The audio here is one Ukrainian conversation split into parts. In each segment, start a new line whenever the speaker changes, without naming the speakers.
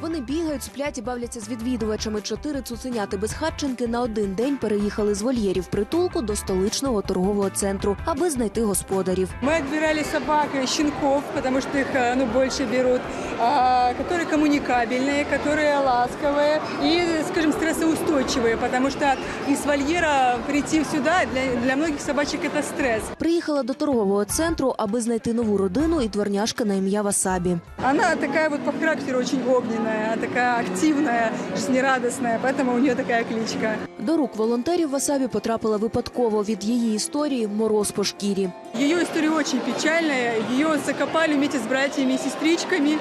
Вони бігають, сплять і бавляться з відвідувачами. 4 цуценяти-безхатченки на один день переїхали з вольєрів притулку до столичного торгового центру, аби знайти господарів.
Мы отбирали собак, щенков, потому что их больше берут, которые коммуникабельные, которые ласковые и, скажем, стрессоустойчивые, потому что из вольера прийти сюда для многих собачек это стресс.
Приїхала до торгового центру, аби знайти нову родину і дворняжка на ім'я Васабі.
Она такая вот по характеру очень огненная, такая активная, жизнерадостная, поэтому у нее такая кличка.
До рук волонтерів Васабі потрапила випадково. Від її історії мороз по шкірі.
Ее история очень печальная. Ее закопали вместе с братьями и сестричками.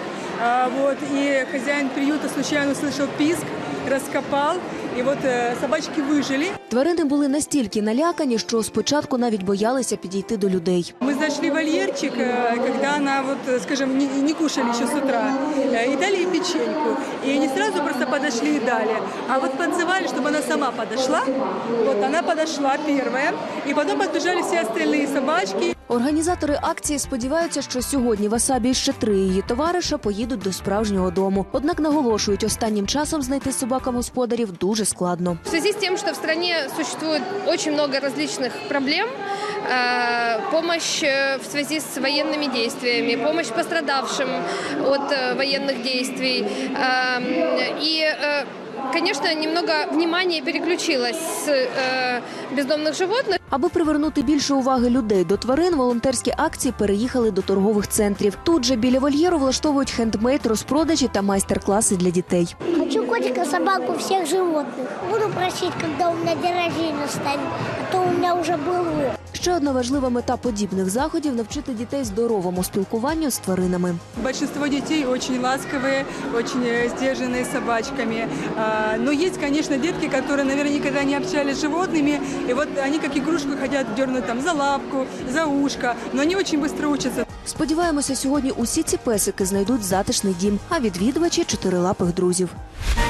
И хозяин приюта случайно услышал писк, раскопал. І от собачки вижили.
Тварини були настільки налякані, що спочатку навіть боялися підійти до людей.
Ми знайшли вольєрчик, коли вона, скажімо, не кушали ще з утра, і дали їй печеньку. І не одразу просто підійшли і дали, а от підзивали, щоб вона сама підійшла. От вона підійшла перша, і потім підбіжали всі інші собачки.
Організатори акції сподіваються, що сьогодні Васабі і ще 3 її товариша поїдуть до справжнього дому. Однак наголошують, останнім часом знайти собакам господарів дуже складно.
В связи с тем, что в стране существует очень много различных проблем, помощь в связи с военными действиями, помощь пострадавшим от военных действий и, конечно, немного внимания переключилось с бездомных животных.
Аби привернути більше уваги людей до тварин, волонтерські акції переїхали до торгових центрів. Тут же біля вольєру влаштовують хендмейд, розпродажі та майстер-класи для дітей.
Хочу котика, собаку, всех животных. Буду просить, когда у меня день рождения станет, а то у меня уже было.
Ще одна важлива мета подібних заходів – навчити дітей здоровому спілкуванню з тваринами.
Большинство детей очень ласковые, очень сдержанные с собачками. Но есть, конечно, детки, которые, наверное, никогда не общались с животными. И вот они как игрушку хотят дернуть там за лапку, за ушко. Но они очень быстро учатся.
Сподіваємося, сьогодні усі ці песики знайдуть затишний дім, а відвідувачі – чотирилапих друзів.